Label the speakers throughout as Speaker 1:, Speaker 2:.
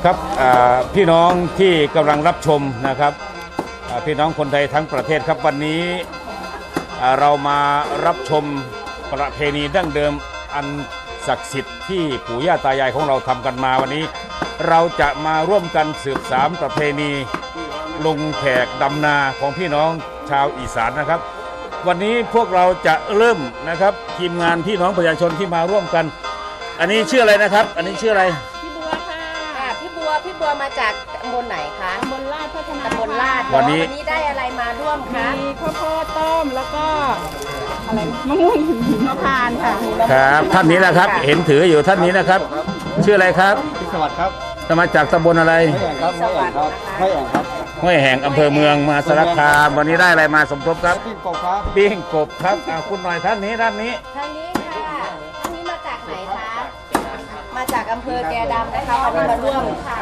Speaker 1: ครับพี่น้องที่กำลังรับชมนะครับพี่น้องคนไทยทั้งประเทศครับวันนี้เรามารับชมประเพณีดั้งเดิมอันศักดิ์สิทธิ์ที่ปู่ย่าตายายของเราทำกันมาวันนี้เราจะมาร่วมกันสืบสานประเพณีลงแขกดำนาของพี่น้องชาวอีสานนะครับวันนี้พวกเราจะเริ่มนะครับทีมงานพี่น้องประชาชนที่มาร่วมกันอันนี้ชื่ออะไรนะครับอันนี้ชื่ออะไร
Speaker 2: พี่บัวค่ะ
Speaker 3: พี่บัวมาจากตำบลไหนคะ
Speaker 2: ตำบลลาดพัฒนา
Speaker 3: ตำบลลาด
Speaker 1: วันนี้
Speaker 3: ได้อะไรมาร่วมคะ
Speaker 2: มีข้าวโพดต้มแล้วก็อะไรมะม่วงหิมพานต์ค่ะ
Speaker 1: ครับท่านนี้นะครับเห็นถืออยู่ท่านนี้นะครับชื่ออะไรครับ
Speaker 4: พิศวัตครับ
Speaker 1: มาจากตำบลอะไร
Speaker 4: ไม่แอ่งครับ
Speaker 1: ห้วยแห่งอำเภอเมืองมหาสารคามวันนี้ได้อะไรมาสมทบครับ
Speaker 4: ปิ้งกบครับ
Speaker 1: ปิ้งกบครับคุณหน่อยท่านนี้
Speaker 3: ท่านนี้ค่ะท่านนี้มาจากไหนคะมาจากอำเภอแกดำนะคะวันนี้มาร่วมค่ะ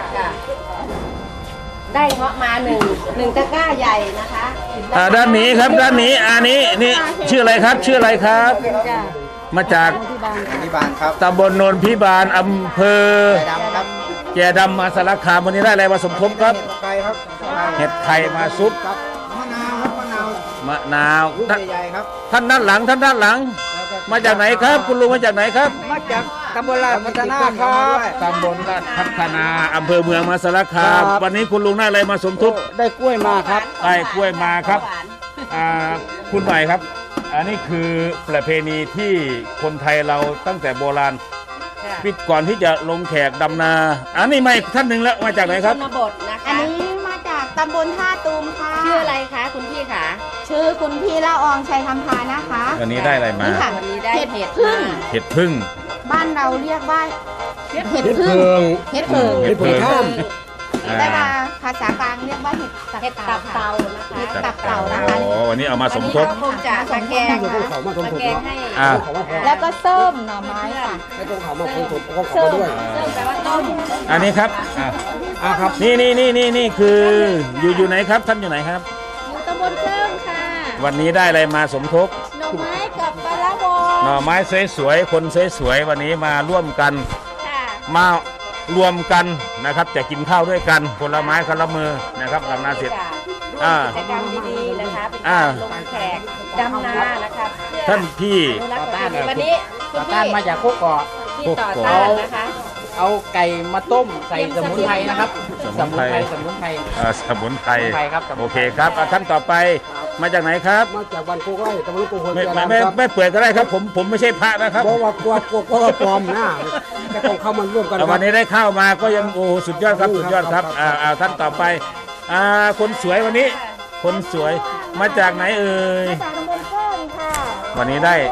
Speaker 3: ได้เงาะมาหนึ่งตะกร้าใหญ่นะคะ
Speaker 1: ด้านนี้ครับด้านนี้อันนี้นี่ชื่ออะไรครับชื่ออะไรครับมาจาก
Speaker 4: พิบาลครับ
Speaker 1: ตำบลโนนพิบาลอำเภอแกดำมาสารคามวันนี้ได้อะไรมาสมทบครับ
Speaker 4: ไก่ครับ
Speaker 1: เห็ดไข่มาซุป
Speaker 4: มะนาวครับ
Speaker 1: มะนาว
Speaker 4: ใหญ่ครับ
Speaker 1: ท่านด้านหลังมาจากไหนครับคุณลุงมาจากไหนครับ
Speaker 4: มาจากตำบลลาดพัฒนาครับ
Speaker 1: ตำบลลาดพัฒนาอำเภอเมืองมหาสารคามวันนี้คุณลุงได้อะไรมาสมทบ
Speaker 4: ได้กล้วยมาครับ
Speaker 1: ได้กล้วยมาครับคุณหน่อยครับอันนี้คือประเพณีที่คนไทยเราตั้งแต่โบราณปิดก่อนที่จะลงแขกดำนาอันนี้ไม่ท่านหนึ่งแล้วมาจากไหนครับ
Speaker 3: ชนบทนะคะ
Speaker 2: อันนี้มาจากตำบลท่าตูมค่ะ
Speaker 3: ชื่ออะไรคะคุณพี่คะ
Speaker 2: ชื่อคุณพี่ละอองชัยคำพานะคะ
Speaker 1: วันนี้ได้อะไรมา
Speaker 3: วันนี้ได้เห็ด
Speaker 1: พึ่ง
Speaker 2: บ้านเราเรียกว่า
Speaker 4: เห็ดพึ่ง
Speaker 2: เห็ดพึ่งแต่ว่าภาษากลางเรียกว่าเห็ด
Speaker 3: ตับเต่านะคะ
Speaker 2: เห็ดตับเต่านะคะ
Speaker 1: วันนี้เอามาสมทบ
Speaker 3: คงจะมาแกงให้
Speaker 2: แล้วก็ส้มหน่อไม้ค่ะ
Speaker 4: ให้ตรงเขามาคน
Speaker 2: ส้ม
Speaker 3: แปลว่าต้ม
Speaker 1: อันนี้ครับ
Speaker 4: ครับ
Speaker 1: นี่คืออยู่ไหนครับท่านอยู่ไหนครับ
Speaker 2: อยู่ตำบลเชิงค่ะ
Speaker 1: วันนี้ได้อะไรมาสมทบ
Speaker 2: หน่อไม้กับปลาละวง
Speaker 1: หน่อไม้สวยๆคนสวยๆวันนี้มาร่วมกันมารวมกันนะครับจะกินข้าวด้วยกันคนละไม้คนละมือนะครับดำนาเสร็จ
Speaker 3: กิจกรรมดีๆนะคะเป็นการลงแขกดำนานะคะ
Speaker 1: ท่านพี่
Speaker 3: วันนี้
Speaker 4: ต่อต้านมาจากโคกเกาะ
Speaker 3: ที่ต่อต้านนะคะ
Speaker 4: เอาไก่มาต้มใส่สมุนไพรนะครับ
Speaker 1: สมุนไพร
Speaker 4: ครับ
Speaker 1: โอเคครับท่านต่อไปมาจากไหนครับ
Speaker 4: มาจากบ้านโคกไร่ตำบลโคกหัว
Speaker 1: ไม่เปิดก็ได้ครับผมไม่ใช่พระนะครับ
Speaker 4: เพราะว่ากลัวปลอมนะก็ต้องเข้ามาร่วมกัน
Speaker 1: วันนี้ได้เข้ามาก็ยังโอ้สุดยอดครับสุดยอดครับท่านต่อไปคนสวยวันนี้คนสวยมาจากไหนเอ่ย
Speaker 2: มาจากตำบลเชิงค่ะ
Speaker 1: วันนี้ได้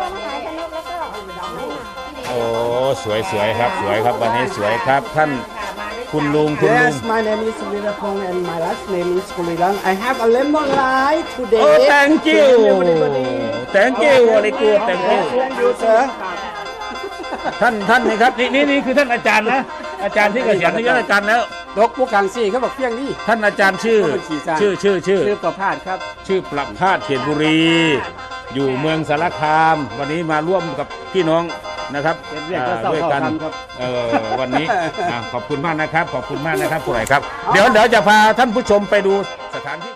Speaker 1: โอ้สวยครับสวยครับวันนี้สวยครับท่านคุณลุง
Speaker 4: Yes my name is Virapong and my last name is Kulilang I have a lemon light today
Speaker 1: Oh thank you thank you very good thank you
Speaker 4: sir
Speaker 1: ท่านนี่ครับนี่คือท่านอาจารย์นะอาจารย์ที่เกษียณอายุราชการแล้ว
Speaker 4: ดกพวกกลางซี่เขาบอกเพียงนี่
Speaker 1: ท่านอาจารย์ชื่อ
Speaker 4: ประภาสครับ
Speaker 1: ชื่อประภาสเขียนบุรีอยู่เมืองสารคามวันนี้มาร่วมกับพี่น้องนะครับด้วยกันวันนี้ขอบคุณมากนะครับขอบคุณมากนะครับผู้ใหญ่ครับเดี๋ยวจะพาท่านผู้ชมไปดูสถานที่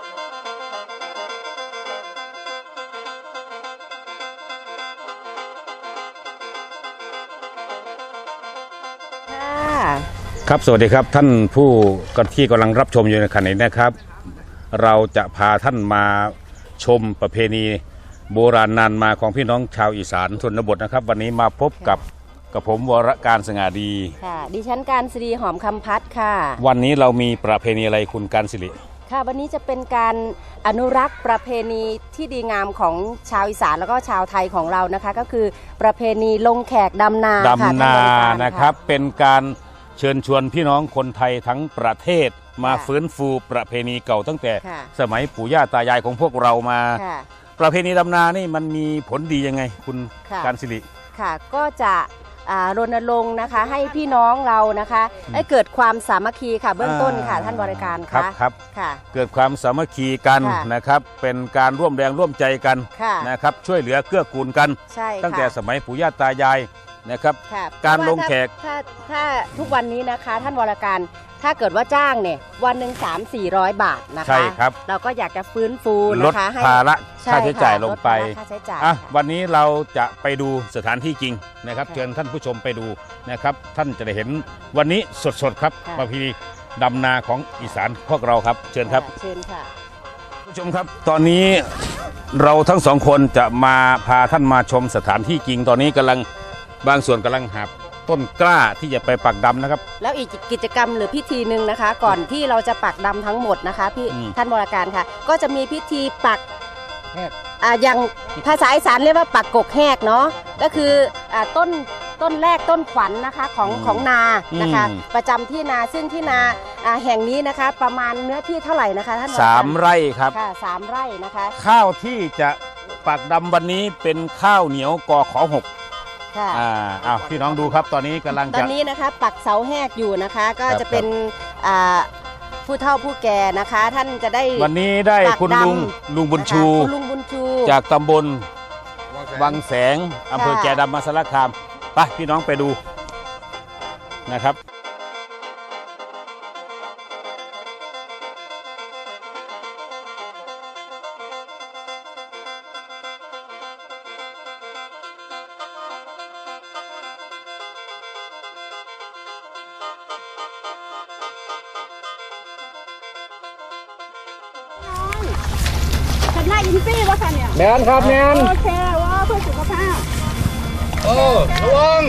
Speaker 1: ครับสวัสดีครับท่านผู้ที่กำลังรับชมอยู่ในขณะนี้นะครับเราจะพาท่านมาชมประเพณีโบราณนานมาของพี่น้องชาวอีสานชนบทนะครับวันนี้มาพบกับผมวรการสง่าดี
Speaker 3: ค่ะดิฉันการศิริหอมคำพัฒน์ค่ะ
Speaker 1: วันนี้เรามีประเพณีอะไรคุณการศิริ
Speaker 3: ค่ะวันนี้จะเป็นการอนุรักษ์ประเพณีที่ดีงามของชาวอีสานแล้วก็ชาวไทยของเรานะคะก็คือประเพณีลงแขกดำนา
Speaker 1: นะครับเป็นการเชิญชวนพี่น้องคนไทยทั้งประเทศมาฟื้นฟูประเพณีเก่าตั้งแต่สมัยปู่ย่าตายายของพวกเรามาประเพณีดำนานี่มันมีผลดียังไงคุณการศิริ
Speaker 3: ค่ะก็จะรณรงค์นะคะให้พี่น้องเรานะคะให้เกิดความสามัคคีค่ะเบื้องต้นค่ะท่านบริการ
Speaker 1: ครับเกิดความสามัคคีกันนะครับเป็นการร่วมแรงร่วมใจกันนะครับช่วยเหลือเกื้อกูลกันตั้งแต่สมัยปู่ย่าตายายนะครับ
Speaker 3: ค่ะ
Speaker 1: การลงแขก
Speaker 3: ถ้าทุกวันนี้นะคะท่านวรการถ้าเกิดว่าจ้างเนี่ยวันหนึ่ง300-400 บาทนะคะ
Speaker 1: ใช่ครับ
Speaker 3: เราก็อยากจะฟื้นฟู
Speaker 1: ลด
Speaker 3: นะคะให้
Speaker 1: ภาระ
Speaker 3: ใช่
Speaker 1: ค่าใช้จ่าย
Speaker 3: ค่ะ
Speaker 1: ลงไป
Speaker 3: ดภาระค่าใช้จ่าย
Speaker 1: อ่ะวันนี้เราจะไปดูสถานที่จริงนะครับเชิญท่านผู้ชมไปดูนะครับท่านจะได้เห็นวันนี้สดๆครับประเพณีดำนาของอีสานพวกเราครับเชิญครับ
Speaker 3: เชิญค่ะ
Speaker 1: ผู้ชมครับตอนนี้เราทั้งสองคนจะมาพาท่านมาชมสถานที่จริงตอนนี้กำลังบางส่วนกำลังหาต้นกล้าที่จะไปปักดำนะครับ
Speaker 3: แล้วอีกกิจกรรมหรือพิธีหนึ่งนะคะ ก่อนที่เราจะปักดำทั้งหมดนะคะพี่
Speaker 1: อืม
Speaker 3: ท่านบริการค่ะ ก็จะมีพิธีปัก
Speaker 1: แหก
Speaker 3: อย่างภาษาอีสานเรียกว่าปักกกแหกเนาะก็คือต้นแรกต้นขวัญนะคะของนานะคะ ประจำที่นาซึ่งที่นาแห่งนี้นะคะ ประมาณเนื้อที่เท่าไหร่นะคะท่านบริการ
Speaker 1: 3 ไร่ครับ
Speaker 3: ค่ะ3 ไร่นะคะ
Speaker 1: ข้าวที่จะปักดำวันนี้เป็นข้าวเหนียวกอขอ6
Speaker 3: ค่ะ
Speaker 1: อ้าวพี่น้องดูครับตอนนี้กำลัง
Speaker 3: ตอ
Speaker 1: จะ
Speaker 3: นนี้นะคะปักเสาแหกอยู่นะคะ ก็จะเป็นผู้เฒ่าผู้แก่นะคะ ท่านจะได้
Speaker 1: วันนี้ได้
Speaker 3: ปัก
Speaker 1: คุณ
Speaker 3: ดำ
Speaker 1: ลุงบุญชู
Speaker 3: นะคะคุณลุงบุญชู
Speaker 1: จากตำบลวังแสงอำเภอ
Speaker 3: ค่ะ
Speaker 1: แก่ดำมหาสารคามไปพี่น้องไปดูนะครับ
Speaker 2: ฉันหน้าอินซี่วะคะเนี่ย
Speaker 4: แมนครับแมน
Speaker 2: โอเคว่าเพื่อสุขภาพ
Speaker 4: โอ้ระวัง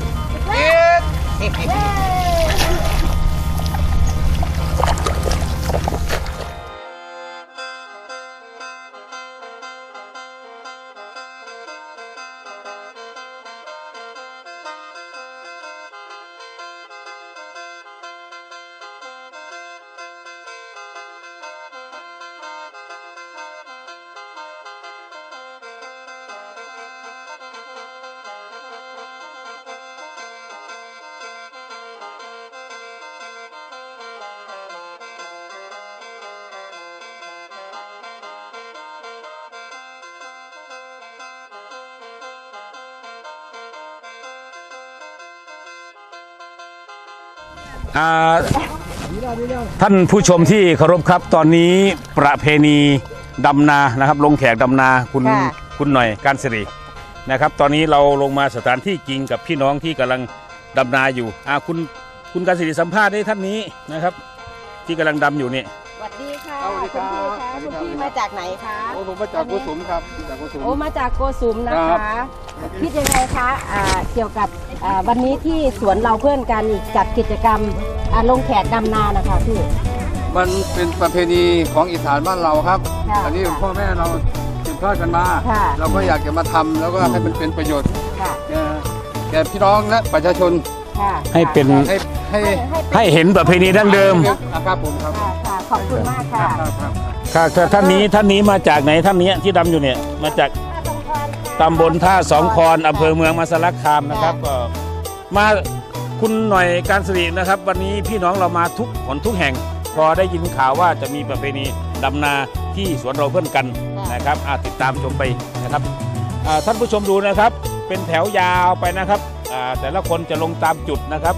Speaker 1: ท่านผู้ชมที่เคารพครับตอนนี้ประเพณีดำนานะครับลงแขกดำนาคุณหน่อยการสิรินะครับ ตอนนี้เราลงมาสถานที่จริงกับพี่น้องที่กำลังดำนาอยู่คุณการสิริสัมภาษณ์ให้ท่านนี้นะครับ ที่กำลังดำอยู่นี่
Speaker 3: สวัสดีค่ะ
Speaker 4: สวัสดีครับ
Speaker 3: คุณพี่มาจากไหนคะ
Speaker 4: โอ้ผมมาจากโกสุมครับจากโกสุม
Speaker 3: โอ้มาจากโกสุมนะ
Speaker 4: ครั
Speaker 3: คะ
Speaker 4: บ
Speaker 3: คิดยังไงคะเกี่ยวกับวันนี้ที่สวนเราเพื่อนกันจัดกิจกรรมลงแขกดำนานะคะพี่
Speaker 5: มันเป็นประเพณีของอีสานบ้านเราครับ
Speaker 3: ค่ะ
Speaker 5: อันนี้พ่อแม่เราสืบทอดกันมา
Speaker 3: ค่ะ
Speaker 5: เราก็อยากจะมาทำแล้วก็ให้มันเป็นประโยชน์
Speaker 3: ค่ะ
Speaker 5: แก่พี่น้องและประชาชน
Speaker 3: ค่ะ
Speaker 1: ให้เป็น
Speaker 5: ให้
Speaker 1: ให้เห็นประเพณีดั้งเดิม
Speaker 5: นะครับผมครับ
Speaker 3: ค่ะค่ะขอบคุณมากค่ะ
Speaker 1: ค่ะท่านนี้มาจากไหนท่านนี้ที่ดำอยู่เนี่ยมาจากตำบลท่าสองคอนอำเภอเมืองมหาสารคามนะครับก็มาคุณหน่อยการสิรินะครับ วันนี้พี่น้องเรามาทุกหนทุกแห่ง พอได้ยินข่าวว่าจะมีประเพณีดำนาที่สวนเราเพื่อนกันนะครับติดตามชมไปนะครับท่านผู้ชมดูนะครับ เป็นแถวยาวไปนะครับแต่ละคนจะลงตามจุดนะครับ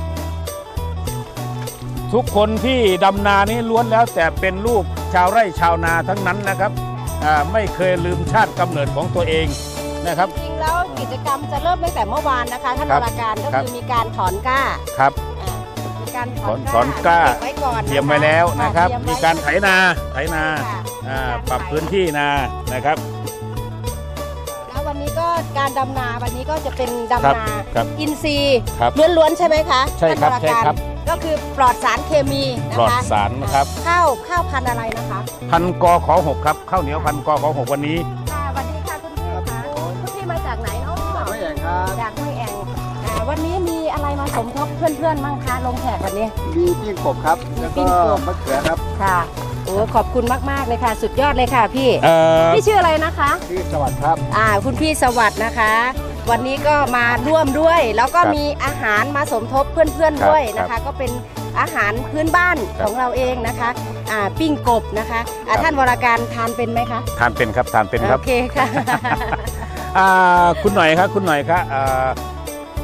Speaker 1: ทุกคนที่ดำนานี้ล้วนแล้วแต่เป็นลูกชาวไร่ชาวนาทั้งนั้นนะครับไม่เคยลืมชาติกำเนิดของตัวเองนะครับ
Speaker 3: จริงๆแล้วกิจกรรมจะเริ่มตั้งแต่เมื่อวานนะคะท่าน
Speaker 1: ครั
Speaker 3: ว
Speaker 1: บ
Speaker 3: รการก็
Speaker 1: ครับ
Speaker 3: คือมีการถอนกล้า
Speaker 1: ครับ
Speaker 3: มีการถ
Speaker 1: ถอนกล้า
Speaker 3: เก็บไว้ก่อนนะคะ
Speaker 1: เตรียมไว้แล้วนะครับ
Speaker 3: เตย
Speaker 1: มี
Speaker 3: ไว้
Speaker 1: การไถนา
Speaker 3: ค่ะ
Speaker 1: ปรับพื้นที่นานะครับ
Speaker 3: แล้ววันนี้ก็การดำนาวันนี้ก็จะเป็น
Speaker 1: ครับ
Speaker 3: ดำนา
Speaker 1: ครับ
Speaker 3: อินทรีย์
Speaker 1: ครับ
Speaker 3: ล้วนๆใช่ไหมคะ
Speaker 1: ใช่ครับ
Speaker 3: ท่านว
Speaker 1: ใช่ครับ
Speaker 3: ก็คือปลอดสารเคมีนะ
Speaker 1: ปลอด
Speaker 3: คะ
Speaker 1: สารนะครับ
Speaker 3: ข้าวพันธุ์อะไรนะคะ
Speaker 1: พันกอขอ6ครับข้าวเหนียวพันกอขอ6วันนี้
Speaker 3: ค่ะสวัสดีค่ะคุณพี่ค่ะคุณพี่มาจากไหนเนาะ
Speaker 5: ไม่แย่งครับ
Speaker 3: จากห้วยแองวันนี้มีอะไรมาสมทบเพื่อนๆบ้างคะลงแขกวันนี้
Speaker 5: มีปิ้งกบครับ แล้วก็มะเขือครับ
Speaker 3: ค่ะโอ้ขอบคุณมากๆเลยค่ะ สุดยอดเลยค่ะพี่
Speaker 1: เอ่อ
Speaker 3: พี่ชื่ออะไรนะคะ
Speaker 5: ชื่อสวัสดิ์ครับ
Speaker 3: คุณพี่สวัสดิ์นะคะ วันนี้ก็มาร่วมด้วย แล้วก็มีอาหารมาสมทบเพื่อนๆด้วยนะคะ ก็เป็นอาหารพื้นบ้านของเราเองนะคะปิ้งกบนะคะท่านวรการทานเป็นไหมคะ
Speaker 1: ทานเป็นครับทานเป็นครับ
Speaker 3: โอเคค่ะ
Speaker 1: คุณหน่อยครับคุณหน่อยครับ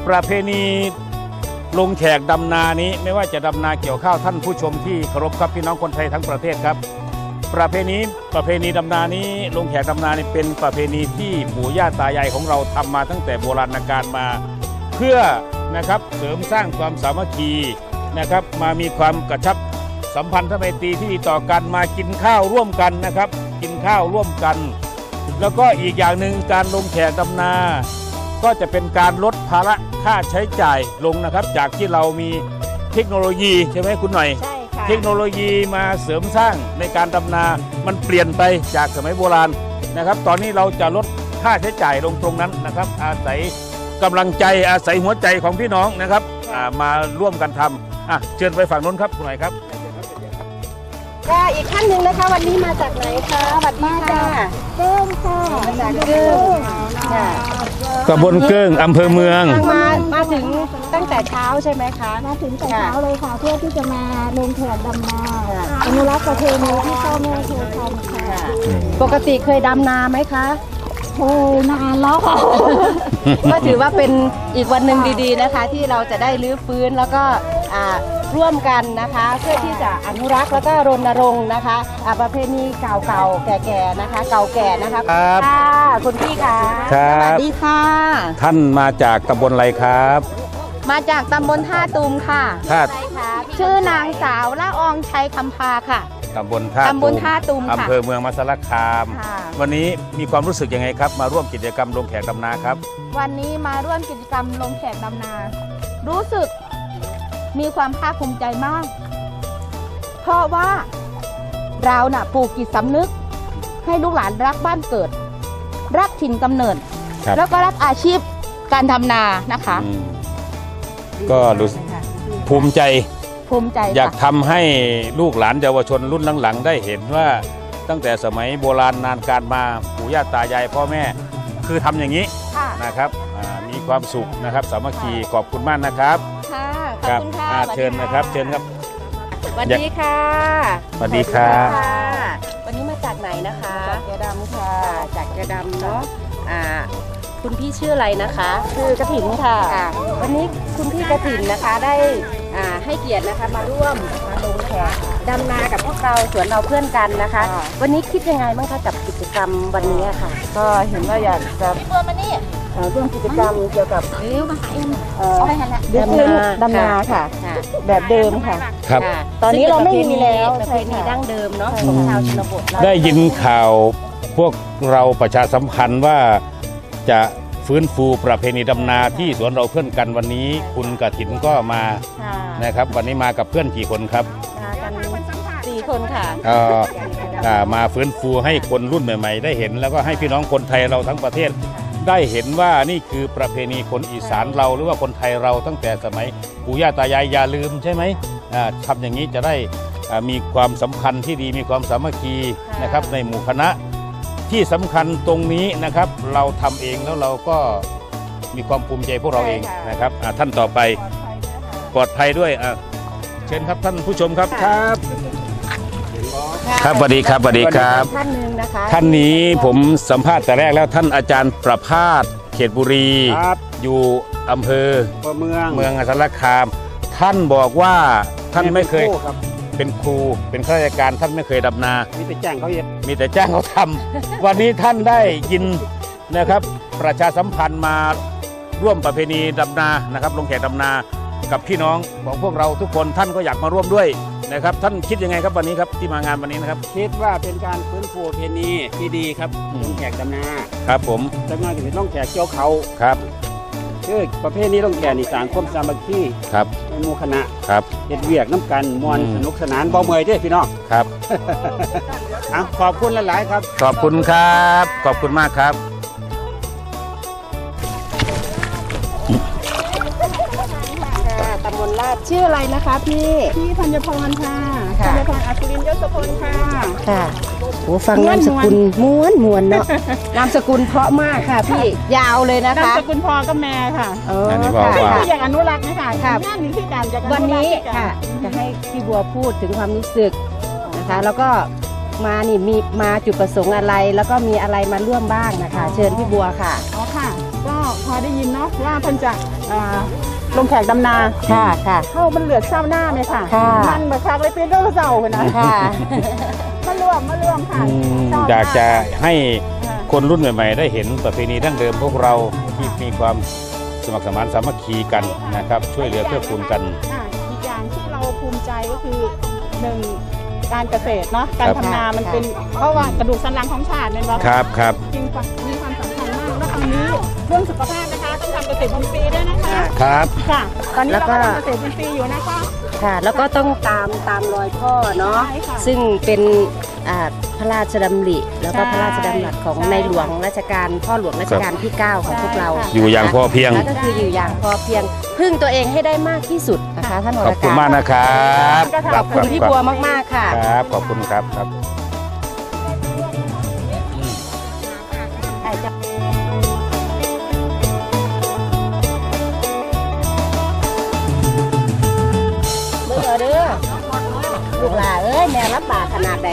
Speaker 1: ประเพณีลงแขกดำนานี้ไม่ว่าจะดำนาเกี่ยวข้าวท่านผู้ชมที่เคารพครับพี่น้องคนไทยทั้งประเทศครับประเพณีดำนานี้ลงแขกดำนานี่เป็นประเพณีที่ปู่ย่าตายายของเราทำมาตั้งแต่โบราณกาลมา เพื่อนะครับเสริมสร้างความสามัคคีนะครับมามีความกระชับสัมพันธไมตรีที่ดีต่อกันมากินข้าวร่วมกันนะครับกินข้าวร่วมกัน แล้วก็อีกอย่างหนึ่งการลงแขกดำนาก็จะเป็นการลดภาระค่าใช้จ่ายลงนะครับจากที่เรามีเทคโนโลยีใช่ไหมคุณหน่อย
Speaker 3: ใช่ค่ะ
Speaker 1: เทคโนโลยีมาเสริมสร้างในการดำนามันเปลี่ยนไปจากสมัยโบราณนะครับตอนนี้เราจะลดค่าใช้จ่ายลงตรงนั้นนะครับอาศัยกำลังใจอาศัยหัวใจของพี่น้องนะครับมาร่วมกันทำเชิญไปฝั่งนู้นครับคุณหน่อยครับ
Speaker 3: ค่ะอีกท่านหนึ่งนะคะวันนี้มาจากไหนคะสวัสดีค่ะเกิ้งค่ะมาจากเกิ้งค่ะ
Speaker 1: ตำบลเกิ้งอำเภอเมือง
Speaker 3: มาถึงตั้งแต่เช้าใช่ไหมคะ
Speaker 2: มาถึงแต่เช้าเลยค่ะ เพื่อที่จะมาลงแขกดำนาอนุรักษ์ประเพณีที่พ่อแม่เคยทำค่ะ
Speaker 3: ปกติเคยดำนาไหมคะ
Speaker 2: เคยนานแล้วค่ะ
Speaker 3: ก็ถือว่าเป็นอีกวันหนึ่งดีๆนะคะ ที่เราจะได้รื้อฟื้นแล้วก็ร่วมกันนะคะ เพื่อที่จะอนุรักษ์แล้วก็รณรงค์นะคะประเพณีเก่าๆแก่ๆนะคะ เก่าแก่นะคะ
Speaker 1: ครับ
Speaker 3: ค่ะคุณพี่ค่ะ
Speaker 1: ครับ
Speaker 3: สวัสดีค่ะ
Speaker 1: ท่านมาจากตำบลอะไรครับ
Speaker 6: มาจากตำบลท่าตูมค่ะ
Speaker 1: ท่า
Speaker 3: ใช่ค่ะพี่
Speaker 6: ชื่อนางสาวละอองชัยคำพาค่ะ
Speaker 1: ตำบลท่า
Speaker 6: ตำบลท่าตูมค่ะ
Speaker 1: อำเภอเมืองมหาสารคาม
Speaker 6: ค่ะ
Speaker 1: วันนี้มีความรู้สึกยังไงครับ มาร่วมกิจกรรมลงแขกดำนาครับ
Speaker 6: วันนี้มาร่วมกิจกรรมลงแขกดำนา รู้สึกมีความภาคภูมิใจมาก เพราะว่าเราน่ะปลูกจิตสำนึก ให้ลูกหลานรักบ้านเกิด รักถิ่นกำเนิด
Speaker 1: ครับ
Speaker 6: แล้วก็รักอาชีพการทำนานะคะ
Speaker 1: อืมก็รู้สึกภูมิใจ
Speaker 6: ภูมิใจ
Speaker 1: อยาก
Speaker 6: ค่ะ
Speaker 1: ทำให้ลูกหลานเยาวชนรุ่นหลังๆได้เห็นว่าตั้งแต่สมัยโบราณนานการมาปู่ย่าตายายพ่อแม่คือทำอย่างนี้
Speaker 6: ค่ะ
Speaker 1: นะครับมีความสุขนะครับสามัคคีขอบคุณมากนะครับ
Speaker 6: ค่ะขอบ
Speaker 1: ครับ
Speaker 6: คุณค่ะ
Speaker 1: เชิญนะครับเชิญครับ
Speaker 3: สวัสดีค่ะ
Speaker 1: สวัสดีครับ
Speaker 3: วันนี้มาจากไหนนะคะจากเกดำค่ะจากเกดำเนาะคุณพี่ชื่ออะไรนะคะชื่อกระถินค่ะวันนี้คุณพี่กระถินนะคะได้ให้เกียรตินะคะมาร่วมมาลงแขกดำนากับพวกเราสวนเราเพื่อนกันนะคะ วันนี้คิดยังไงบ้างคะกับกิจกรรมวันนี้ค่ะ
Speaker 2: ก็เห็นว่าอยากจะ
Speaker 6: พี่บัวมานี่
Speaker 2: ร่วมกิจกรรมเกี่ยวกับ
Speaker 6: เร็วมาหาเอ็มเอาให้หันละ
Speaker 2: ดำนาค่ะ
Speaker 3: ค่ะ
Speaker 2: แบบเดิมค่ะ
Speaker 1: ครับ
Speaker 3: ค่ะ
Speaker 2: ตอนนี้เราไม่มีแล้ว
Speaker 3: ประเพณี
Speaker 2: ใช่ค่ะ
Speaker 3: ดั้งเดิมเนาะของชาวชนบทเรา
Speaker 1: ได้ยินข่าวพวกเราประชาสัมพันธ์ว่าจะฟื้นฟูประเพณีดำนาที่สวนเราเพื่อนกันวันนี้คุณกฐินก็มา
Speaker 3: ค่ะ
Speaker 1: นะครับวันนี้มากับเพื่อนกี่คนครับ
Speaker 3: มากัน4 คนค่ะ
Speaker 1: มาฟื้นฟูให้คนรุ่นใหม่ๆ ได้เห็นแล้วก็ให้พี่น้องคนไทยเราทั้งประเทศ ได้เห็นว่านี่คือประเพณีคนอีสานเราหรือว่าคนไทยเราตั้งแต่สมัยปู่ย่าตายายอย่าลืมใช่ไหมทำอย่างนี้จะได้มีความสัมพันธ์ที่ดีมีความสามัคคีนะครับในหมู่คณะที่สำคัญตรงนี้นะครับเราทำเองแล้วเราก็มีความภูมิใจพวกเราเองนะครับท่านต่อไปปลอดภัยด้วยเชิญครับท่านผู้ชมครับครับครับสวัสดีครับสวัสดีครับ
Speaker 3: ท่านหนึ่งนะคะ
Speaker 1: ท่านนี้ผมสัมภาษณ์แต่แรกแล้วท่านอาจารย์ประภาสเขตบุรี
Speaker 7: ครับ
Speaker 1: อยู่อำเภอ
Speaker 7: เมือง
Speaker 1: เมืองสารคาม ท่านบอกว่าท่านไม่เคย
Speaker 7: ป็นครับ
Speaker 1: เป็นครูเป็นข้าราชการท่านไม่เคยดำนา
Speaker 7: มีแต่แจ้งเขาเย็ด
Speaker 1: มีแต่จ้างเขาทำ วันนี้ท่านได้ยินนะครับ ประชาสัมพันธ์มาร่วมประเพณีดำนานะครับ ลงแขกดำนากับพี่น้องของพวกเราทุกคนท่านก็อยากมาร่วมด้วยนะครับ ท่านคิดยังไงครับวันนี้ครับที่มางานวันนี้นะครับ
Speaker 7: คิดว่าเป็นการฟื้นฟูประเพณีที่ดีครับ
Speaker 1: อืม
Speaker 7: ลงแขกดำนา
Speaker 1: ครับผม
Speaker 7: จังงานถึงต้องแขกเกี่ยวเขา
Speaker 1: ครับ
Speaker 7: คือประเภทนี้ต้องแขกนี่ต่างความสามัคคี
Speaker 1: ครับ
Speaker 7: ในหมู่คณะ
Speaker 1: ครับ
Speaker 7: เฮ็ดเวียกน้ำกันมวน
Speaker 1: อืม
Speaker 7: สนุกสนานบ่เมื่อยเด้อพี่น้อง
Speaker 1: ครับ
Speaker 7: ขอบคุณหลายๆครับ
Speaker 1: ขอบคุณครับ ขอบคุณมากครับ
Speaker 3: ค่ะตำบลลาดชื่ออะไรนะคะพี่
Speaker 2: พี่ธัญพรค่ะ
Speaker 3: ค่ะ
Speaker 2: ธัญพรอัศรินยศพลค่ะ
Speaker 3: ค่ะโอ้ฟังนามสกุลม้วนเนาะ นามสกุลเพราะมากค่ะพี่ยาวเลยนะ
Speaker 2: นาม
Speaker 3: คะ
Speaker 2: สกุลพอก็แม่ค่ะ
Speaker 1: อันนี้บอกว่า
Speaker 2: ที่อยากอนุรักษ์นะคะ
Speaker 3: ค่ะ
Speaker 2: งานนี้คือการจะ
Speaker 3: วันนี้ค่ะจะให้พี่บัวพูดถึงความรู้สึกนะคะ แล้วก็มานี่มีมาจุดประสงค์อะไร แล้วก็มีอะไรมาร่วมบ้างนะคะ เชิญพี่บัวค่ะ
Speaker 2: อ๋อค่ะ ก็
Speaker 6: พอได้ยินเนาะว่าเพิ่นจะลงแขกดำนา
Speaker 3: ค่ะค่ะ
Speaker 6: เข้ามันเหลือเศร้าหน้าไหมค่ะ
Speaker 3: ค่ะ
Speaker 6: มันบักคักเลยเป็นเรื่องเศร้าเลยนะ
Speaker 3: ค่ะ
Speaker 6: มาร่วมค่ะชบม
Speaker 1: อยากจะให้
Speaker 6: ค่ะ
Speaker 1: คนรุ่นใหม่ๆ ได้เห็นประเพณีดั้งเดิมพวกเราที่มีความสมัครสมานสามัคคีกันนะครับ ช่วยเหลือเกื้อกูลกัน
Speaker 6: อีกอย่างที่เราภูมิใจก็คือหนึ่งการเกษตรเนาะการ
Speaker 1: ครับ
Speaker 6: ทำนามันเป็นเพราะว่ากระดูกสันหลังของชาติเป็นว่า
Speaker 1: ครับครับ
Speaker 6: จริงมีความสำคัญมากแล้วตอนนี้เรื่องสุขภาพนะคะต้องทำเกษตรอินทรีย์ด้วยนะคะ
Speaker 1: ครับ
Speaker 6: ค่ะตอนนี้
Speaker 3: แล้ว
Speaker 6: เรา
Speaker 3: ก็
Speaker 6: ก็ทำเกษตรอินทรีย์อยู่นะคะ
Speaker 3: ค่ะ แล้วก็ต้องตามรอยพ่อเนาะ
Speaker 6: ใช่ค่ะ
Speaker 3: ซึ่งเป็นพระราชดำริแล้วก็
Speaker 6: ใช่
Speaker 3: พระราชดำรัสของ
Speaker 6: ใช่
Speaker 3: ในหลวงรัชกาลพ่อหลวงรัชกาลที่ 9 ของพวกเรา
Speaker 6: ใช่ค่ะ
Speaker 1: อยู่อย่างพอเพียง
Speaker 3: แล้วก็คืออยู่อย่างพอเพียงพึ่งตัวเองให้ได้มากที่สุดนะคะท่านว
Speaker 1: ข
Speaker 3: ร
Speaker 1: อบคุณ
Speaker 3: การ
Speaker 1: มากนะครับ
Speaker 3: ขอบคุณพี่บัวมากๆค่ะ
Speaker 1: ครับขอบคุณครับครับ
Speaker 3: เมื่อเด้อลูกหลานเอ้ยแม่รับบากขนาดไหน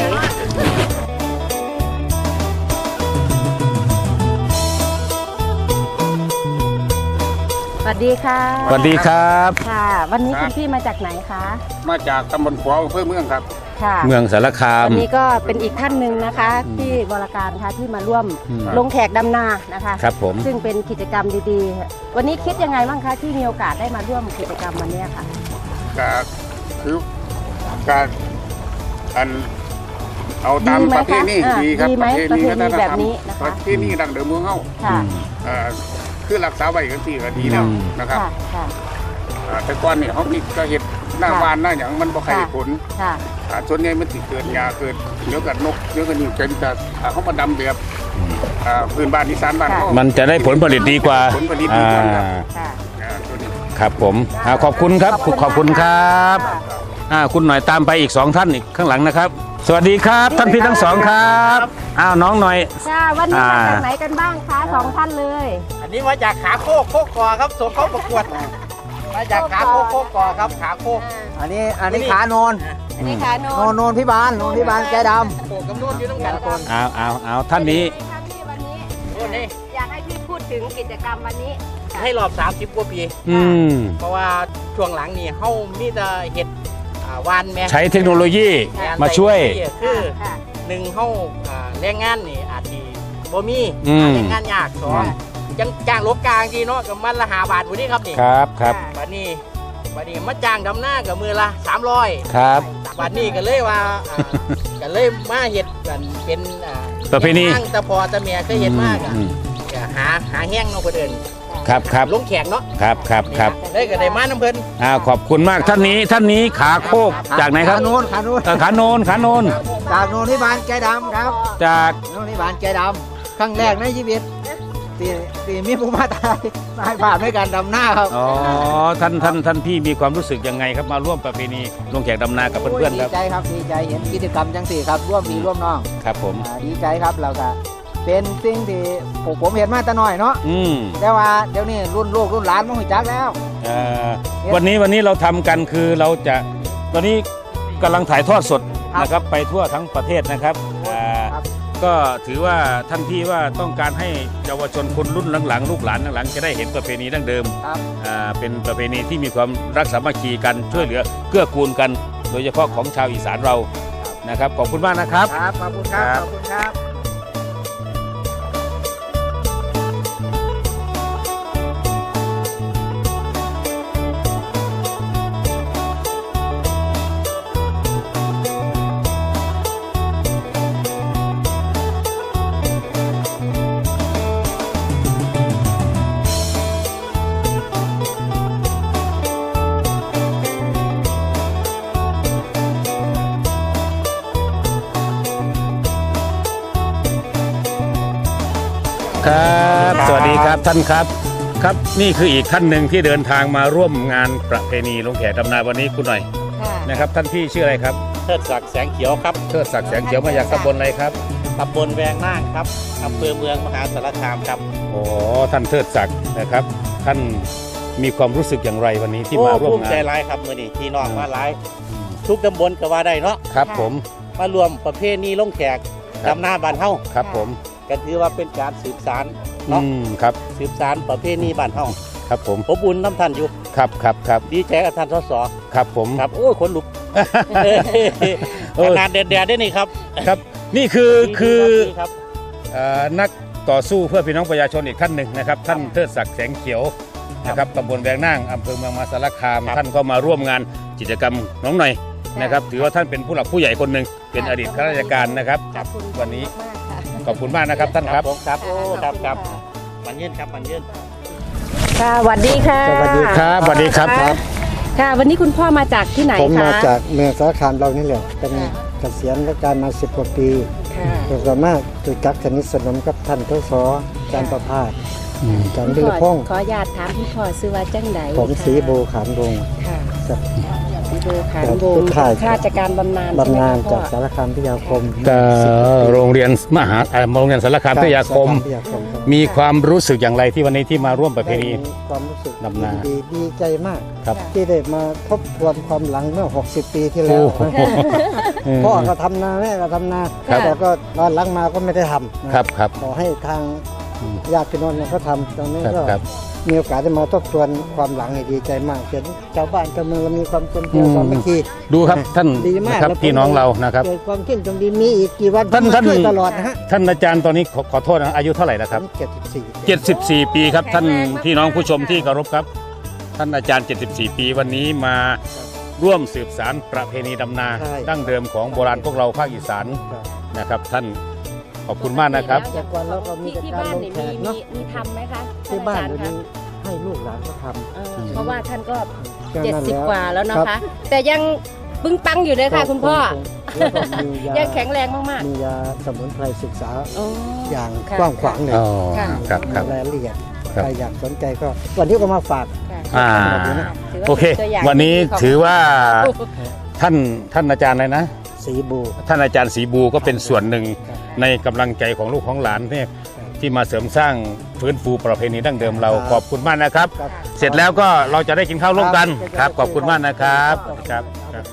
Speaker 3: สวัสดีค่ะ
Speaker 1: สวัสดีครับ
Speaker 3: ค่ะ วันนี้
Speaker 5: ครั
Speaker 3: คุ
Speaker 5: บ
Speaker 3: ณพี่มาจากไหนคะ
Speaker 5: มาจากตำบลขวาวอำเภอเมืองครับ
Speaker 3: ค่ะ
Speaker 1: เมืองสารคาม
Speaker 3: วันนี้ก็เป็นอีกท่านหนึ่งนะคะที่บริการค่ะที่มาร่วม
Speaker 1: อืม
Speaker 3: ลงแขกดำนานะคะ
Speaker 1: ครับผม
Speaker 3: ซึ่งเป็นกิจกรรมดีๆ วันนี้คิดยังไงบ้างคะที่มีโอกาสได้มาร่วมกิจกรรมวันนี้ค่ะ
Speaker 5: ก็คือการอันเอาตาม
Speaker 3: ดีไหม
Speaker 5: ประเพณี
Speaker 3: คะ
Speaker 5: ดีครับ
Speaker 3: ดีไหม
Speaker 5: วัฒนธรรม
Speaker 3: แบบนี้นะคะ
Speaker 5: ประเพณีดั้งเดิมเมืองเฮา
Speaker 3: ค่ะ
Speaker 5: คือรักษาไว้กันที่ก็ดีแล้วนะครับ
Speaker 3: ค่ะค่ะ
Speaker 5: แต่ก่อนนี่เขามีก็เห็ดหน้า
Speaker 3: ค่ะ
Speaker 5: บ้านหน้าอย่างมันบ่ใคร
Speaker 3: ค่ะ
Speaker 5: ผล
Speaker 3: ค่ะ
Speaker 5: ส่วนใหญ่มันสิเกิดหญ้าเกิดเดี๋ยวกับนกเดี๋ยวกับนี่จนจะเขามาดำแบบพื้นบ้านอีสานบ้านเขา
Speaker 1: มันจะได้ผลผลิตดีกว่า
Speaker 5: ผลผลิตดีกว่าครับ
Speaker 3: ค่ะ
Speaker 5: ตัวนี้
Speaker 1: ครับผมขอบคุณครับขอบคุณครับคุณหน่อยตามไปอีก2ท่านอีกข้างหลังนะครับ สวัสดีครับท่านพี่ทั้งสองครับน้องหน่อย
Speaker 3: ค่ะวันนี้มาจากไหนกันบ้างคะสองท่านเลย
Speaker 8: อันนี้มาจากขาโคกโคกกอครับส่งเข้าประกวด มาจากขาโคกโคกกอครับขาโคก
Speaker 4: อันนี้ขาโนน
Speaker 3: อันนี้ค่ะโน
Speaker 4: โนนพิบาลแกด
Speaker 8: โคกกับโน่นอยู่ต้องกันคน
Speaker 1: เอาท่านนี้
Speaker 3: ท่านที่วันนี้
Speaker 8: โน่นนี่
Speaker 3: อยากให้พี่พูดถึงกิจกรรมวันนี้
Speaker 8: ให้รอบ30 กว่าปี เพราะว่าช่วงหลังนี่เฮามีแต่เห็ดวานแม่
Speaker 1: ใช้เทคโนโลยีมาช่วย
Speaker 8: คือ
Speaker 3: ค่ะ
Speaker 8: หนึ่งเฮาแรงงานนี่อาจสิบ่มี แรงงานยากสองจังจ้างลบกลางดีเนาะกับมันละ5 บาทพุ่นนี่ครับนี่
Speaker 1: ครับครับ
Speaker 8: บัดนี้มาจ้างดำหน้ากับมือละ300
Speaker 1: ครับ
Speaker 8: บัดนี้ก็เลยว่าก็เลยมาเห็ดกันเป็น
Speaker 1: ประเพณี
Speaker 8: แห้งตะพอตะเมียเคยเห็นมากอ่ะก็หาแห้งเนาะเพิ่น
Speaker 1: ครับ
Speaker 8: ลงแขกเนาะ
Speaker 1: ครับ
Speaker 8: เลยก็ได้มาน้ำเพิ่น
Speaker 1: ขอบคุณมากท่านนี้ขาโคกจากไหนครับ
Speaker 4: ขาโนน
Speaker 1: ขาโนน
Speaker 4: จากโนนพิบาลแกดำครับ
Speaker 1: จาก
Speaker 4: โนนพิบาลแกดำครั้งแรกในชีวิตที่มีผู้มาตายบาปด้วยการดำหน้าครับ
Speaker 1: อ๋อท่านพี่มีความรู้สึกยังไงครับมาร่วมประเพณีลงแขกดำนากับเพื่อนๆครับ
Speaker 4: ดีใจครับดีใจเห็นกิจกรรมจังสี่ครับร่วมพี่ร่วมน้อง
Speaker 1: ครับผม
Speaker 4: ดีใจครับเราก็เป็นสิ่งที่ผมเห็นมาแต่น้อยเนาะแต่ว่าเดี๋ยวนี้รุ่นลูกรุ่นหลานมันหุ่จักแล้ว
Speaker 1: วันนี้เราทำกันคือเราจะตอนนี้กำลังถ่ายทอดสดนะครับไปทั่วทั้งประเทศนะครับก็ถือว่าท่านพี่ว่าต้องการให้เยาวชนคนรุ่นหลังๆลูกหลานหลังๆจะได้เห็นประเพณีดั้งเดิม
Speaker 4: ครับ
Speaker 1: เป็นประเพณีที่มีความรักสามัคคีกันช่วยเหลือเกื้อกูลกัน โดยเฉพาะของชาวอีสานเรานะครับขอบคุณมากนะครับ
Speaker 4: ครับขอบคุณครับขอบคุณครับ
Speaker 1: ครับสวัสดีครับท่านครับครับนี่คืออีกท่านหนึ่งที่เดินทางมาร่วมงานประเพณีลงแขกดำนาวันนี้คุณหน่อย
Speaker 3: ค่ะ
Speaker 1: นะครับท่านพี่ชื่ออะไรครับ
Speaker 8: เทิดศักดิ์แสงเขียวครับ
Speaker 1: เทิดศักดิ์แสงเขียวมาจากตำบลอะไรครับ
Speaker 8: ตำบลแวงน่างครับอำเภอเมืองมหาสารคามครับ
Speaker 1: โอ้ท่านเทิดศักดิ์นะครับท่านมีความรู้สึกอย่างไรวันนี้ที่มาร่วม
Speaker 8: ภูมิ
Speaker 1: งา
Speaker 8: ใจ
Speaker 1: น
Speaker 8: ร้ายครับมื้อนี้ที่น้องมาหลายทุกตำบลก็ว่าได้เนาะ
Speaker 1: ครับผม
Speaker 8: มารวมประเพณีลงแขกดำหน้าบ้านเฮา
Speaker 1: ครับผม
Speaker 8: กก็ถือว่าเป็นการสืบสานเนาะ
Speaker 1: ครับ
Speaker 8: สืบสานประเพณีบ้านเฮา
Speaker 1: ครับผม
Speaker 8: ผมบุญน้ำท่านอยู่
Speaker 1: ครับครับครับ
Speaker 8: ดีใจกับท่านสส
Speaker 1: ครับผม
Speaker 8: ครับโอ้ยขนลุกขนาดแดดๆได้นี่ครับ
Speaker 1: ครับนี่คือ
Speaker 8: ดีครับ
Speaker 1: นักต่อสู้เพื่อพี่น้องประชาชนอีกท่านหนึ่งนะครับ ท่านเทิดศักดิ์แสงเขียวนะครับตำบลแวงนั่งอำเภอเมืองมหาสารคาม ท่านก็มาร่วมงานกิจกรรมน้องหน่อยนะครับ ถือว่าท่านเป็นผู้หลักผู้ใหญ่คนหนึ่งเป็นอดีตข้าราชการนะครับ
Speaker 3: ขอบคุณ
Speaker 1: วันนี้
Speaker 3: มากค่ะ
Speaker 1: ขอบคุณมากนะครับท่านครับ
Speaker 8: ผมครับโอ้ครับครับมันยืนครับมันยืน
Speaker 3: ค่ะสวัสดีค่ะ
Speaker 4: สวัสดีครับ
Speaker 1: สวัสดีครับ
Speaker 3: ค่ะ วันนี้คุณพ่อมาจากที่ไหนคะ
Speaker 9: ผมมาจากเมืองสารคามเรานี่แหละเป็นเกษียณราชการมา10 กว่าปี
Speaker 3: ค่ะ
Speaker 9: โดยส่วนมากจุดจักสนิทสนมกับท่านทศอาจารย์ประภาสอาจารย์วิรพงศ์
Speaker 3: ขออนุญาตถามคุณพ่อซื้อว่าจังไหน
Speaker 9: ผมศรีโบขานวงศ์
Speaker 3: ค่ะ
Speaker 9: จาก
Speaker 3: ศรีโบขานวง
Speaker 9: ผู้
Speaker 3: ศ์
Speaker 9: ข่าย
Speaker 3: ข้าราชการบำนาญ
Speaker 9: บำนาญ
Speaker 3: ใช่
Speaker 9: จาก
Speaker 3: ไหมคะ
Speaker 9: สารคามพิทยาคม
Speaker 1: โรงเรียนมหาโรงเรียนสารคามพิทยาคม
Speaker 9: พิทยาคมครับ
Speaker 1: มีความรู้สึกอย่างไรที่วันนี้ที่มาร่วมประเพณี
Speaker 9: ได้มีความรู้สึก
Speaker 1: ดำนา
Speaker 9: ดีใจมาก
Speaker 1: ครับ
Speaker 9: ที่ได้มาทบทวนความหลังเมื่อ 60 ปีที่แล้
Speaker 1: โอ้
Speaker 9: ว
Speaker 1: โห
Speaker 9: พ่อก็ทำนาแม่ก็ทำนา
Speaker 1: ครับ
Speaker 9: แต่ก็ตอนหลังมาก็ไม่ได้ทำนะครับ
Speaker 1: ครับ
Speaker 9: ขอให้ทางญาติพี่น้องเนี่ยเขาทำตอนนี้
Speaker 1: ครับ
Speaker 9: ก็
Speaker 1: ครับ
Speaker 9: มีโอกาสได้มาทบทวนความหลังให้ดีใจมากเห็นชาวบ้านชาวเมืองเรามีความกลมเกลียวสามัคคี
Speaker 1: ดูครับท่าน
Speaker 9: ดีมาก
Speaker 1: นะครับ
Speaker 9: แล้วผม
Speaker 1: พี่น้องเรานะครับ
Speaker 9: เกิดความเข้มจงดีมีอีกกี่วัน
Speaker 1: ท่าน
Speaker 9: ผมช่วยตลอดนะฮะ
Speaker 1: ท่านอาจารย์ตอนนี้ขอโทษนะอายุเท่าไหร่แล้วครับ 74 ปีครับท่านพี่น้องผู้ชมที่เคารพครับ ท่านอาจารย์ 74 ปีวันนี้มาร่วมสืบสานประเพณีดำนา
Speaker 9: ใช่
Speaker 1: ดั้งเดิมของโบราณพวกเราภาคอีสานนะครับ ท่านขอบคุณมากนะครับ
Speaker 9: แต่ก่อนเราก็มี
Speaker 3: ที่
Speaker 9: แต่
Speaker 3: ที่
Speaker 9: การ
Speaker 3: บ้าน
Speaker 9: ลง
Speaker 3: เนี่ย
Speaker 9: แข
Speaker 3: มี
Speaker 9: กเนาะ
Speaker 3: ทำไหมคะ
Speaker 9: ที่บ้าน
Speaker 3: ท่
Speaker 9: เดี๋ยว
Speaker 3: อจร
Speaker 9: นี้ให้ลูกหลานเขาทำ
Speaker 3: เพราะว่าท่านก็
Speaker 9: แค่นั้นแล้ว
Speaker 3: 70 กว่าแล้วนะ
Speaker 9: ครั
Speaker 3: คะ
Speaker 9: บ
Speaker 3: แต่ยังปึ้งปังอยู่เลยค่ะคุณพ่อ
Speaker 9: แล้วก็มียา
Speaker 3: ยังแข็งแรงมาก
Speaker 9: มียาสมุนไพรศึกษา
Speaker 3: ๆโอ้
Speaker 9: อย่าง
Speaker 3: ค่ะ
Speaker 9: กว้างขวางเลย
Speaker 1: อ๋อ
Speaker 3: ค่ะ
Speaker 1: ครับครับ
Speaker 9: รายละเอียด
Speaker 1: ครับ
Speaker 9: ใครอยากสนใจก็วันนี้ก็มาฝาก
Speaker 3: ค่ะ
Speaker 1: อ่า
Speaker 3: ถืว่า
Speaker 1: โอเค
Speaker 3: ป็ตัวย่าง
Speaker 1: วันนี้
Speaker 3: ที่ดีของ
Speaker 1: ถือว่าท่านอาจารย์อะไรนะ
Speaker 9: สีบู
Speaker 1: ท่านอาจารย์ศรีบูก็เป็นส่วนหนึ่งในกำลังใจของลูกของหลานเนี่ยที่มาเสริมสร้างฟื้นฟูประเพณีดั้งเดิมเราขอบคุณมากนะครับ
Speaker 9: ครับ
Speaker 1: เสร็จแล้วก็เราจะได้กินข้าวร่วมกันครับขอบคุณมากนะครับครับ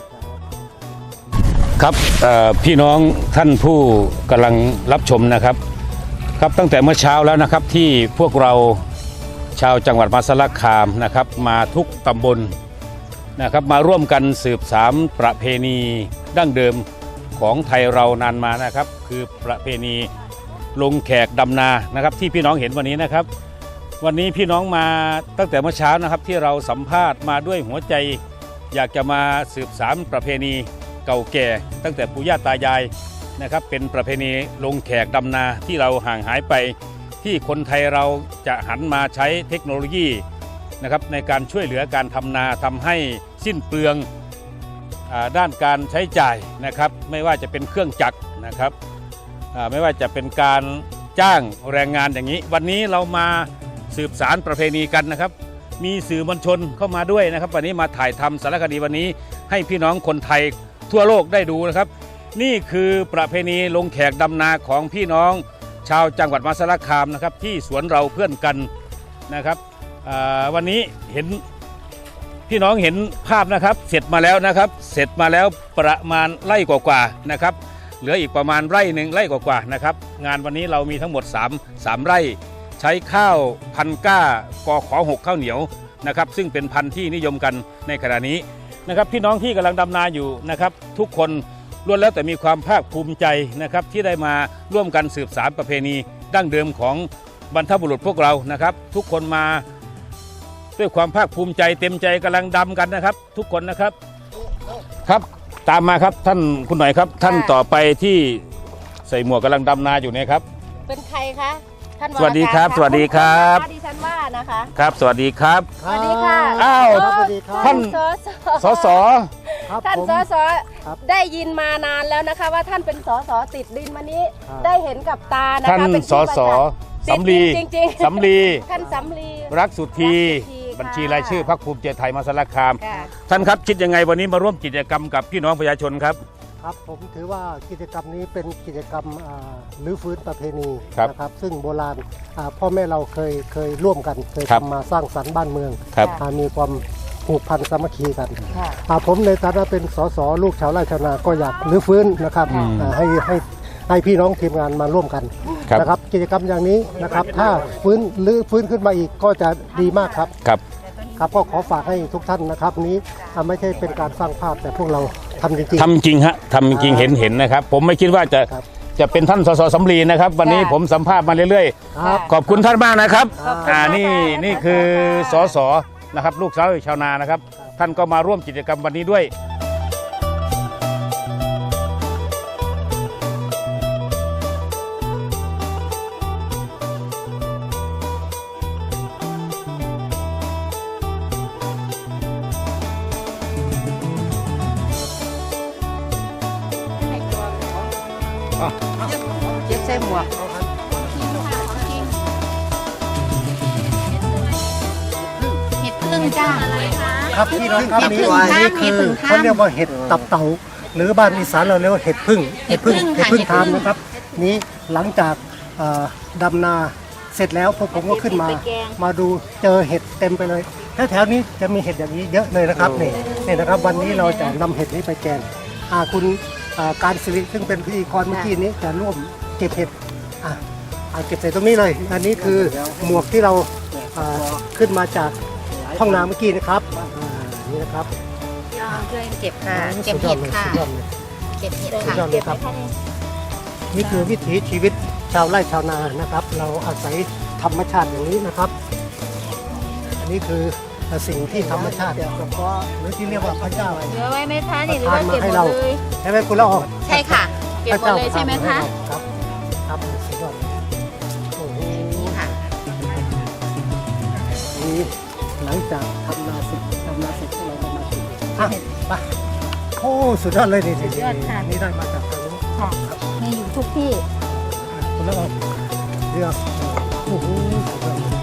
Speaker 1: ครับพี่น้องท่านผู้กำลังรับชมนะครับ ครับตั้งแต่เมื่อเช้าแล้วนะครับที่พวกเราชาวจังหวัดมหาสารคามนะครับมาทุกตำบลนะครับมาร่วมกันสืบสานประเพณีดั้งเดิมของไทยเรานานมานะครับ คือประเพณีลงแขกดำนานะครับที่พี่น้องเห็นวันนี้นะครับ วันนี้พี่น้องมาตั้งแต่เมื่อเช้านะครับที่เราสัมภาษณ์มาด้วยหัวใจ อยากจะมาสืบสานประเพณีเก่าแก่ตั้งแต่ปู่ย่าตายายนะครับเป็นประเพณีลงแขกดำนาที่เราห่างหายไป ที่คนไทยเราจะหันมาใช้เทคโนโลยีนะครับในการช่วยเหลือการทำนาทำให้สิ้นเปลืองด้านการใช้จ่ายนะครับไม่ว่าจะเป็นเครื่องจักรนะครับไม่ว่าจะเป็นการจ้างแรงงานอย่างนี้ วันนี้เรามาสืบสานประเพณีกันนะครับมีสื่อมวลชนเข้ามาด้วยนะครับวันนี้มาถ่ายทำสารคดีวันนี้ให้พี่น้องคนไทยทั่วโลกได้ดูนะครับนี่คือประเพณีลงแขกดำนาของพี่น้องชาวจังหวัดมหาสารคามนะครับที่สวนเราเพื่อนกันนะครับวันนี้เห็นพี่น้องเห็นภาพนะครับเสร็จมาแล้วนะครับเสร็จมาแล้วประมาณไร่กว่าๆนะครับเหลืออีกประมาณไร่หนึ่งไร่กว่าๆนะครับงานวันนี้เรามีทั้งหมด3ไร่ใช้ข้าวพันก้ากข6ข้าวเหนียวนะครับซึ่งเป็นพันธุ์ที่นิยมกันในขณะนี้นะครับพี่น้องที่กำลังดำนาอยู่นะครับทุกคนล้วนแล้วแต่มีความภาคภูมิใจนะครับที่ได้มาร่วมกันสืบสานประเพณีดั้งเดิมของบรรพบุรุษพวกเรานะครับทุกคนมาด้วยความภาคภูมิใจเต็มใจกำลังดำกันนะครับทุกคนนะครับครับตามมาครับท่านคุณหน่อยครับท่านต่อไปที่ใส่หมวกกำลังดำนาอยู่เนี่ยครับ
Speaker 3: เป็นใครคะท่าน
Speaker 1: สวัสดีครับ
Speaker 3: ว
Speaker 1: สวัสดีครับ
Speaker 3: ดิฉันว่านะคะ
Speaker 1: ครับสวัสดีครับ
Speaker 3: สวัสดีค่ะ
Speaker 1: อ้าว
Speaker 9: ครับสวัสดีครับ
Speaker 1: ท่าน สส
Speaker 9: ครับ
Speaker 3: ท่าน
Speaker 9: ผม
Speaker 3: สส
Speaker 9: ครับ
Speaker 3: ได้ยินมานานแล้วนะคะ ว่าท่านเป็นสสติดดินมานี้
Speaker 9: ครับ
Speaker 3: ได้เห็นกับตานะคะ
Speaker 1: ท่าน
Speaker 3: เป็น
Speaker 1: ส
Speaker 3: ที่
Speaker 1: ส
Speaker 3: ประจักษ์
Speaker 1: สำลี
Speaker 3: ติดดินจริงๆ
Speaker 1: สำลี
Speaker 3: ท่านสำลี
Speaker 1: รักสุธี
Speaker 3: รักสุธีค่ะ
Speaker 1: บัญชีรายชื่อพรรคภูมิใจไทยมหาสารคาม
Speaker 3: ค่ะ
Speaker 1: ท่านครับคิดยังไงวันนี้มาร่วมกิจกรรมกับพี่น้องประชาชนครับ
Speaker 9: ครับผมถือว่ากิจกรรมนี้เป็นกิจกรรมรื้อฟื้นประเพณี
Speaker 1: ครับ
Speaker 9: นะครับซึ่งโบราณพ่อแม่เราเคยร่วมกันเคย
Speaker 1: ครับ
Speaker 9: ทำมาสร้างสรรค์บ้านเมือง
Speaker 1: ครับ
Speaker 9: มีความผูกพันสามัคคีกัน
Speaker 3: ค่ะ
Speaker 9: ผมในฐานะเป็นสสลูกชาวไร่ชาวนาก็อยากรื้อฟื้นนะครับให้ให้พี่น้องทีมงานมาร่วมกัน
Speaker 1: ครับ
Speaker 9: นะครับกิจกรรมอย่างนี้นะครับถ้าฟื้นขึ้นมาอีกก็จะดีมากครับ
Speaker 1: ครับ
Speaker 9: ครับก็ขอฝากให้ทุกท่านนะครับนี้ไม่ใช่เป็นการสร้างภาพแต่พวกเราทำจริง
Speaker 1: ทำจริงฮะทำจริงเห็นนะครับ ผมไม่คิดว่าจะเป็นท่านสสสำลีนะครับ วันนี้ผมสัมภาษณ์มาเรื่อย
Speaker 9: ๆครับ
Speaker 1: ๆ ขอบคุณท่านมากนะครับ
Speaker 3: ขอบคุณมาก
Speaker 1: นี่คือสสนะครับลูกสาวชาวนานะครับ ท่านก็มาร่วมกิจกรรมวันนี้ด้วย
Speaker 3: เก็บใส่หมวก
Speaker 6: เห็ดพึ่งจ้า
Speaker 9: ครับพี่น้องครับ
Speaker 6: เห็ดพึ่ง
Speaker 9: นี่คือ
Speaker 6: ข้าม
Speaker 9: เขาเรียกว่าเห็ดตับเต่าหรือบ้านอีสานเราเรียกว่าเห็ดพึ่ง
Speaker 6: เห็ดพึ่งค่ะ
Speaker 9: เห็ดพึ่งทามนะครับนี้หลังจากดำนาเสร็จแล้วพวกผมก็ขึ้นมาดูเจอเห็ดเต็มไปเลยแถวๆนี้จะมีเห็ดอย่างนี้เยอะเลยนะครับนี่นะครับ วันนี้เราจะนำเห็ดนี้ไปแกงคุณการศิริซึ่งเป็นพิธีกรเมื่อกี้นี้จะร่วมเก็บเห็ดเก็บใส่ตรงนี้เลย อันนี้คือหมวกที่เราขึ้นมาจากห้องน้ำเมื่อกี้นะครับนี่นะครับ
Speaker 6: ช่วยเก็บค่ะ เก็บเห็ดค่ะ
Speaker 9: สุยอเลย
Speaker 6: เก็บเห็ด
Speaker 9: สุด
Speaker 6: ค่ะ
Speaker 9: ยอดเลยครับ นี่คือวิถีชีวิตชาวไร่ชาวนานะครับ เราอาศัยธรรมชาติอย่างนี้นะครับ อันนี้คือสิ่งที่ธรรมชาติหรือที่เรียกว่าพระเจ้า
Speaker 6: เหลือไว้ไหมคะนี่หรือว่าเก็บหมดเลย
Speaker 9: ใช่ไหมคุณละออง
Speaker 6: ใช่ค่ะ เก็บหมดเลยใช่ไหมคะ
Speaker 9: ครับครับสุดยอดเลยโอ้โห
Speaker 6: นี่ค่ะ
Speaker 9: นี่หลังจากทำนาเสร็จพวกเราก็มาถึงไปโอ้สุดยอดเลยนี่
Speaker 6: สุดยอดค่ะ
Speaker 9: นี่ได้มาจากทางนู้น
Speaker 6: ค่ะมีอยู่ทุกที่
Speaker 9: คุณละอองเลือกโอ้โหสุดยอดเลย